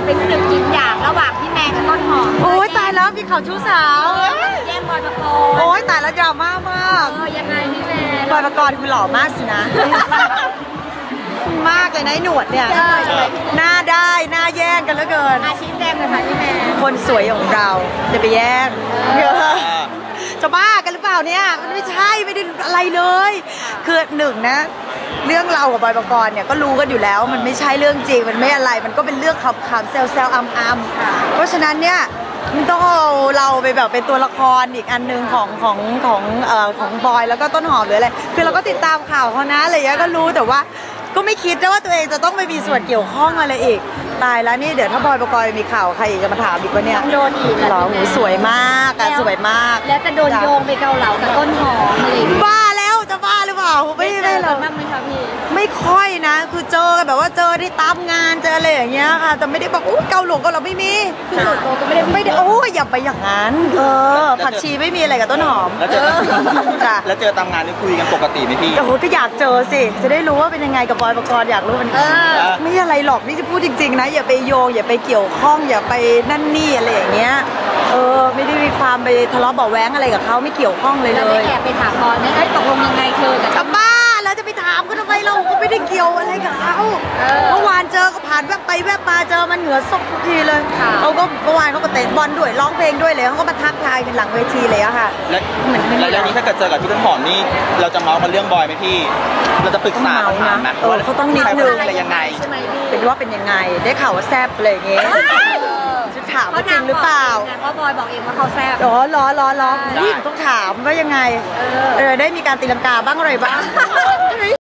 เป็นศึกยิงหยางระหว่างพี่แมนกับต้นหอมโอ้ยตายแล้วมีข่าวชู้สาวแย่งบอยปกรณ์โอ้ยตายแล้วดราม่ามากยังไงพี่แมนบอยปกรณ์คือหล่อมากสินะมากเลยนะหนวดเนี่ยหน้าได้หน้าแย่งกันเหลือเกินอาชีพแจ้งเลยค่ะพี่แมนคนสวยของเราจะไปแย่งจะบ้ากันหรือเปล่าเนี่ยมันไม่ใช่ไม่ได้อะไรเลยคือหนึ่งนะเรื่องเรากับบอยปกรณ์เนี่ยก็รู้กันอยู่แล้วมันไม่ใช่เรื่องจริงมันไม่อะไรมันก็เป็นเรื่องขำๆแซวๆอัมๆเพราะฉะนั้นเนี่ยมันต้องเอาเราไปแบบเป็นตัวละครอีกอันนึงของบอยแล้วก็ต้นหอมหรืออะไรคือเราก็ติดตามข่าวเขานะอะไรอย่างเงี้ยก็รู้แต่ว่าก็ไม่คิดนะว่าตัวเองจะต้องไปมีส่วนเกี่ยวข้องอะไรอีกตายแล้วนี่เดี๋ยวถ้าบอยปกรณ์มีข่าวใครอีกจะมาถามอีกว่าเนี่ยโดนอีกหรอหูสวยมากอะสวยมากแล้วจะโดนโยงไปเกาเหลากับต้นหอมอะไรบ้าแล้วจะบ้าหรือเปล่าไม่หรอกบ้างไหมคะพี่ไม่ค่อยนะคือเจอกันแบบว่าเจอได้ตามงานเจออะไรอย่างเงี้ยค่ะแต่ไม่ได้บอกเกาหลงเกาเหลาไม่มีคือส่วนตัวก็ไม่ได้โอ้ยอย่าไปอย่างนั้นผักชีไม่มีอะไรกับต้นหอมแล้วเจอตามงานนี่คุยกันปกติไหมพี่โอ้โหก็อยากเจอสิจะได้รู้ว่าเป็นยังไงกับบอยปกรณ์อยากรู้มันไม่อะไรหรอกนี่จะพูดจริงๆนะอย่าไปโยงอย่าไปเกี่ยวข้องอย่าไปนั่นนี่อะไรอย่างเงี้ยไม่ได้มีความไปทะเลาะเบาะแว้งอะไรกับเขาไม่เกี่ยวข้องเลยแล้วแอบไปถามบอยไหมตกลงยังไงเธอกับบ้าแล้วจะไปถามก็ทำไมเราก็ไม่ได้เกี่ยวอะไรกับเขาเมื่อวานเจอก็ผ่านแวบไปแวบมาเจอมันเหงื่อซกทุกทีเลยเขาก็เมื่อวานเขาก็เตะบอลด้วยร้องเพลงด้วยเลยเขาก็มาทักทายกันหลังเวทีเลยอะค่ะแล้วนี้ถ้าเกิดเจอกับพี่ต้นหอมนี่เราจะเมาส์กันเรื่องบอยไหมพี่เราจะปรึกษาถามนะเขาต้องนิดนึงอะไรยังไงเป็นว่าเป็นยังไงได้ข่าวว่าแซ่บอะไรอย่างเงี้ยจะถามจริงหรือเปล่าเพราะบอยบอกเองว่าเขาแซ่บล้อนี่ต้องถามว่ายังไงได้มีการตีลังกาบ้างอะไรบ้าง